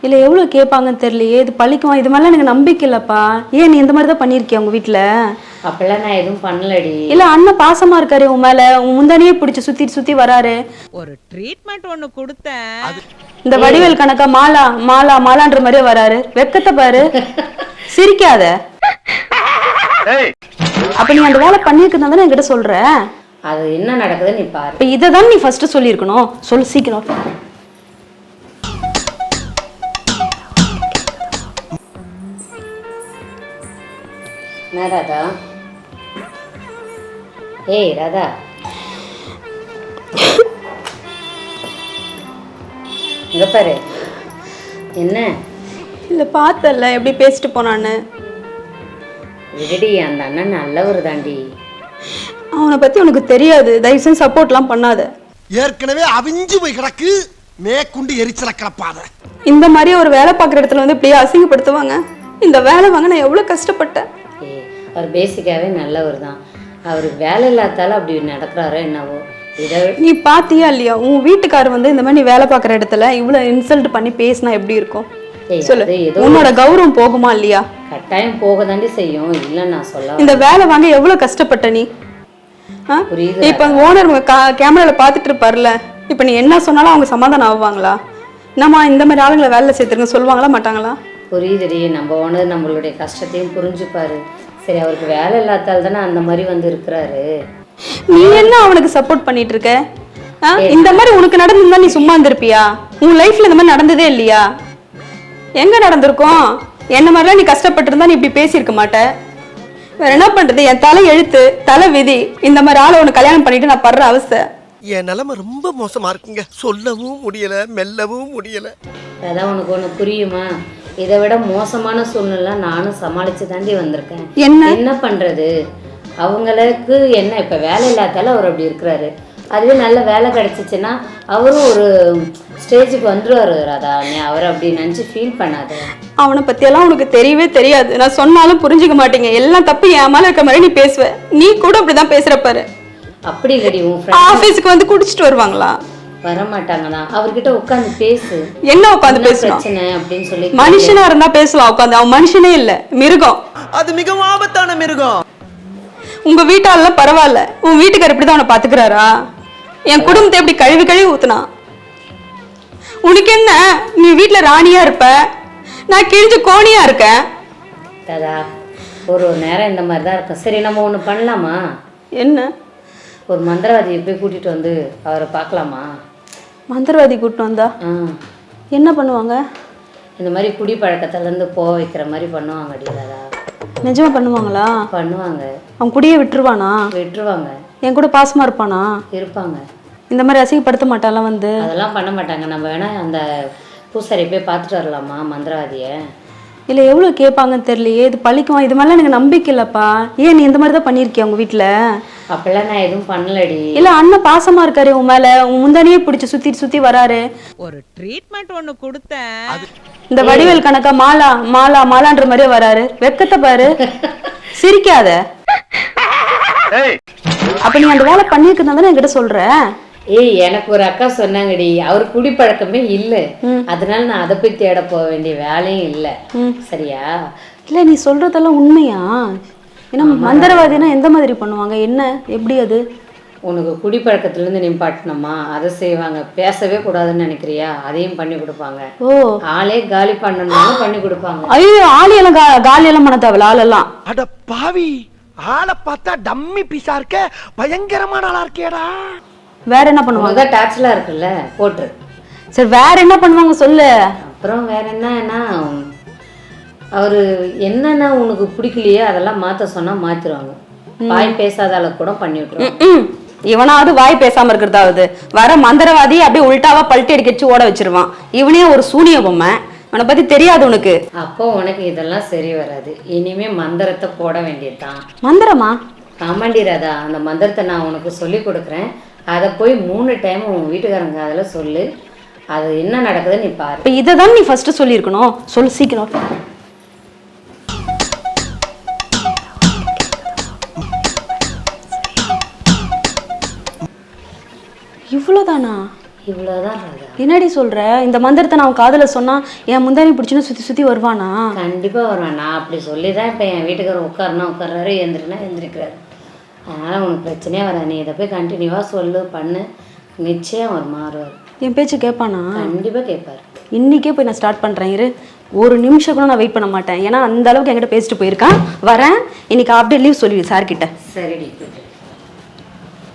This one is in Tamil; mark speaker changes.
Speaker 1: இல்லை எவ்வளோ கேட்பாங்கன்னு தெரியலையே, இது பழிக்குமா? இது மாதிரிலாம் எனக்கு நம்பிக்கை இல்லைப்பா. ஏன் நீ இந்த மாதிரி தான் பண்ணியிருக்கியா உங்கள் வீட்டில்?
Speaker 2: அப்பெல்லாம் நான் எதுவும் பண்ணலடி.
Speaker 1: இல்லை அண்ணன் பாசமாக இருக்காரு உன் மேலே, உன் முந்தானியே பிடிச்சி சுற்றி சுற்றி வராரு.
Speaker 3: ஒரு ட்ரீட்மெண்ட் ஒன்று கொடுத்தேன்.
Speaker 1: இந்த வடிவேல் கணக்கா மாலா மாலா மாலான்ற மாதிரியே வராரு. வெக்கத்தை பாரு, சிரிக்காத. அப்ப நீ அந்த வேலை பண்ணியிருக்கா தானே என்கிட்ட சொல்ற?
Speaker 2: அது என்ன நடக்குதுன்னு நீ பாரு.
Speaker 1: இப்போ இதை தான் நீ ஃபர்ஸ்ட் சொல்லியிருக்கணும். சொல்லு சீக்கிரம்.
Speaker 2: என்ன ராதா? ஏய் ராதா, இங்க பாரு. என்ன
Speaker 1: இல்லை பார்த்தல எப்படி பேசிட்டு போனான்னு.
Speaker 2: விடுடி, அந்த அண்ணன் நல்லவர் தாண்டி.
Speaker 1: அவனை பற்றி உனக்கு தெரியாது. தயவு செஞ்சு சப்போர்ட்லாம் பண்ணாத.
Speaker 4: ஏற்கனவே அவிஞ்சு போய் கிடக்கு, மேற்கொண்டு எரிச்சல கிளப்பாத.
Speaker 1: இந்த மாதிரி ஒரு வேலை பார்க்குற இடத்துல வந்து இப்படியே அசிங்கப்படுத்துவாங்க. இந்த வேலை வாங்க நான் எவ்வளோ கஷ்டப்பட்டேன்.
Speaker 2: அவர் பேசிக்காவே நல்லவர் தான். அவர் வேலை இல்லாதால அப்படி நடக்கிறாரோ என்னவோ. இதை
Speaker 1: நீ பாத்தியா இல்லையா, உன் வீட்டுக்காரர் வந்து இந்த மாதிரி நீ வேலை பார்க்குற இடத்துல இவ்வளோ இன்சல்ட் பண்ணி பேசினா எப்படி இருக்கும் சொல்லு? உன்னோட கௌரவம் போகுமா இல்லையா?
Speaker 2: கட்டாயம் போக தாண்டி செய்யும். இல்லை நான் சொல்ல,
Speaker 1: இந்த வேலை வாங்க எவ்வளோ கஷ்டப்பட்ட நீ.
Speaker 2: புரியுது.
Speaker 1: இப்போ ஓனர் கேமராவில் பார்த்துட்டு இருப்பார்ல, இப்போ நீ என்ன சொன்னாலும் அவங்க சமாதானம் ஆவாங்களா? என்னம்மா இந்த மாதிரி ஆளுங்களை வேலை சேர்த்துருங்க சொல்லுவாங்களா மாட்டாங்களா?
Speaker 2: புரியுதுடி, நம்ம ஓனர் நம்மளுடைய கஷ்டத்தையும் புரிஞ்சுப்பாரு. சரி, அவருக்கு வேலை இல்லாதால் தானே அந்த மாதிரி வந்து இருக்கிறாரு.
Speaker 1: நீ என்ன அவனுக்கு சப்போர்ட் பண்ணிட்டு இருக்க? இந்த மாதிரி உனக்கு நடந்திருந்தா நீ சும்மா இருந்திருப்பியா? உன் லைஃப்ல இந்த மாதிரி நடந்ததே இல்லையா? எங்க நடந்திருக்கும்? என்ன மாதிரிலாம் நீ கஷ்டப்பட்டு இருந்தா நீ இப்படி பேசியிருக்க மாட்ட. வேற என்ன பண்றது? என் தலை எழுத்து, தலை விதி. இந்த மாதிரி ஆளை உனக்கு கல்யாணம் பண்ணிட்டு நான் படுற அவஸ்தை.
Speaker 4: என் நிலைமை ரொம்ப மோசமா இருக்குங்க. சொல்லவும் முடியல, மெல்லவும் முடியல.
Speaker 2: அதான் உனக்கு ஒன்று புரியுமா? இதை விட மோசமான சூழ்நிலை நானும் சமாளிச்சு தாண்டி வந்திருக்கேன். என்ன பண்றது? அவங்களுக்கு என்ன இப்ப வேலை இல்லாதால அவர் அப்படி இருக்கிறாரு. அதுவே நல்ல வேலை கிடைச்சிச்சுன்னா அவரும் ஒரு ஸ்டேஜுக்கு வந்துருவாரு. ராதா, நீ அவரை அப்படி நினச்சி ஃபீல் பண்ணாத.
Speaker 1: அவனை பத்தியெல்லாம் உனக்கு தெரியவே தெரியாது. நான் சொன்னாலும் புரிஞ்சுக்க மாட்டீங்க. எல்லாம் தப்பு என் மேல இருக்க மாதிரி நீ பேசுவ. நீ கூட அப்படிதான் பேசுற பாரு.
Speaker 2: அப்படி இல்லடி, உன்
Speaker 1: ஆபீஸ்க்கு வந்து குடிச்சிட்டு வருவாங்களா?
Speaker 2: வரமாட்டாங்கண்ணா. அவர்கிட்ட உட்காந்து பேசு.
Speaker 1: என்ன உட்காந்து பேசணும்
Speaker 2: பிரச்சனை அப்படின்னு சொல்லி.
Speaker 1: மனுஷனா இருந்தா பேசலாம் உட்காந்து. அவன் மனுஷனே இல்ல, மிருகம்.
Speaker 4: அது மிகவும் ஆபத்தான மிருகம்.
Speaker 1: உங்க வீட்டாலாம் பரவாயில்ல, உன் வீட்டுக்காரர் இப்படிதான் அவனை பாத்துக்கிறாரா? என் குடும்பத்தை எப்படி கழுவி கழுவி ஊத்துனா? உனக்கு என்ன? நீ வீட்டுல ராணியா இருப்ப, நான் கிழிஞ்சு கோணியா இருக்கேன்.
Speaker 2: தாதா, ஒரு நேரம் இந்த மாதிரி தான் இருக்கும். சரி, நம்ம ஒன்று பண்ணலாமா?
Speaker 1: என்ன?
Speaker 2: ஒரு மந்திரவாதியை போய் கூட்டிட்டு வந்து அவரை பார்க்கலாமா?
Speaker 1: மந்திரவாதி கூட்டிட்டு வந்தா என்ன பண்ணுவாங்க?
Speaker 2: இந்த மாதிரி குடி பழக்கத்துலேருந்து போக வைக்கிற மாதிரி பண்ணுவாங்க. அடிதாதா,
Speaker 1: நிஜமா பண்ணுவாங்களா?
Speaker 2: பண்ணுவாங்க.
Speaker 1: அவன் குடியே விட்டுருவானா?
Speaker 2: விட்டுருவாங்க.
Speaker 1: என் கூட பாசமா இருப்பானா?
Speaker 2: இருப்பாங்க.
Speaker 1: இந்த மாதிரி அசிங்கப்படுத்த மாட்டாலாம் வந்து?
Speaker 2: அதெல்லாம் பண்ண மாட்டாங்க. நம்ம வேணா அந்த பூசாரி போய் பார்த்துட்டு வரலாமா மந்திரவாதியை?
Speaker 1: இல்லை எவ்வளோ கேட்பாங்கன்னு தெரியலையே, இது பழிக்குமா? இது மாதிரிலாம் எனக்கு நம்பிக்கை இல்லைப்பா. ஏன் நீ இந்த மாதிரி தான் பண்ணியிருக்கியா உங்கள் வீட்டில்?
Speaker 2: அப்பெல்லாம் நான் எதுவும் பண்ணலடி.
Speaker 1: இல்லை அண்ணன் பாசமாக இருக்காரு உன் மேலே, உன் முந்தானியே பிடிச்சி சுற்றி சுற்றி வராரு.
Speaker 3: ஒரு ட்ரீட்மெண்ட் ஒன்று கொடுத்தேன்.
Speaker 1: இந்த வடிவேல் கணக்கா மாலா மாலா மாலான்ற மாதிரியே வராரு. வெக்கத்தை பாரு, சிரிக்காத. அப்ப நீ அந்த வேலை பண்ணியிருக்கா தானே என்கிட்ட சொல்ற?
Speaker 2: ஏய், எனக்கு ஒரு அக்கா சொன்னாங்கடி, அவர் குடிப்பழக்கமே இல்லை, அதனால நான் அதை போய் தேட போக வேண்டிய வேலையும் இல்லை. சரியா?
Speaker 1: இல்லை நீ சொல்றதெல்லாம் உண்மையா? ஏன்னா மந்திரவாதினா எந்த மாதிரி பண்ணுவாங்க? என்ன எப்படி அது?
Speaker 2: உனக்கு குடிப்பழக்கத்துலேருந்து நிப்பாட்டணுமா? அதை செய்வாங்க. பேசவே கூடாதுன்னு நினைக்கிறியா? அதையும் பண்ணி கொடுப்பாங்க.
Speaker 1: ஓ,
Speaker 2: ஆளே காலி பண்ணணும்னு பண்ணி கொடுப்பாங்க.
Speaker 1: ஐயோ, ஆளியெல்லாம் காலியெல்லாம் பண்ண தேவையில்ல. ஆளெல்லாம்
Speaker 4: அட பாவி, ஆளை பார்த்தா டம்மி பீஸா இருக்க, பயங்கரமான ஆளா இருக்கேடா.
Speaker 1: வேற என்ன பண்ணுவாங்க?
Speaker 2: டாக்ஸ்லாம் இருக்குல்ல, போட்டு.
Speaker 1: சரி, வேற என்ன பண்ணுவாங்க சொல்லு.
Speaker 2: அப்புறம் வேற என்னன்னா, அவரு என்னன்னா உனக்கு பிடிக்கலையே அதெல்லாம் மாற்ற சொன்னா மாத்திருவாங்க. வாய் பேசாத அளவுக்கு கூட பண்ணி விட்டுருவாங்க.
Speaker 1: இவனாவது வாய் பேசாம இருக்கிறதாவது, வர மந்திரவாதி அப்படியே உள்டாவா பல்ட்டி அடிக்கச்சு ஓட வச்சிருவான். இவனே ஒரு சூனிய பொம்மை. அவனை பத்தி தெரியாது உனக்கு.
Speaker 2: அப்போ உனக்கு இதெல்லாம் சரி வராது. இனிமே மந்திரத்தை போட வேண்டியதுதான்.
Speaker 1: மந்திரமா?
Speaker 2: ஆமாண்டி ராதா, அந்த மந்திரத்தை நான் உனக்கு சொல்லி கொடுக்குறேன். அதை போய் 3 டைம் உன் வீட்டுக்காரங்க அதில் சொல்லு. அது என்ன நடக்குதுன்னு நீ பாரு.
Speaker 1: இப்போ இதை தான் நீ ஃபர்ஸ்ட் சொல்லியிருக்கணும். சொல்லு சீக்கிரம். இவ்வளோதானா?
Speaker 2: இவ்வளோதான் ராதா.
Speaker 1: என்னடி சொல்ற? இந்த மந்திரத்தை நான் காதுல சொன்னா என் முந்தானி பிடிச்சுன்னு சுத்தி சுத்தி வருவானா?
Speaker 2: கண்டிப்பா வருவேன். நான் அப்படி சொல்லி தான் இப்போ என் வீட்டுக்காரர் உட்கார்றாரு, எந்திரினா எந்திரிக்கிறாரு. அதனால உனக்கு பிரச்சனையே வராது. நீ இதை போய் கண்டினியூவா சொல்லு, பண்ணு, நிச்சயம் அவர் மாறுவார்.
Speaker 1: என் பேச்சு கேட்பானா?
Speaker 2: கண்டிப்பா கேட்பாரு.
Speaker 1: இன்னைக்கே போய் நான் ஸ்டார்ட் பண்றேன். இரு, ஒரு நிமிஷம் கூட நான் வெயிட் பண்ண மாட்டேன். ஏன்னா அந்த அளவுக்கு என்கிட்ட பேசிட்டு போயிருக்கான். வரேன், இன்னைக்கு ஆஃப் டே லீவ் சொல்லி சார் கிட்ட.
Speaker 2: சரி.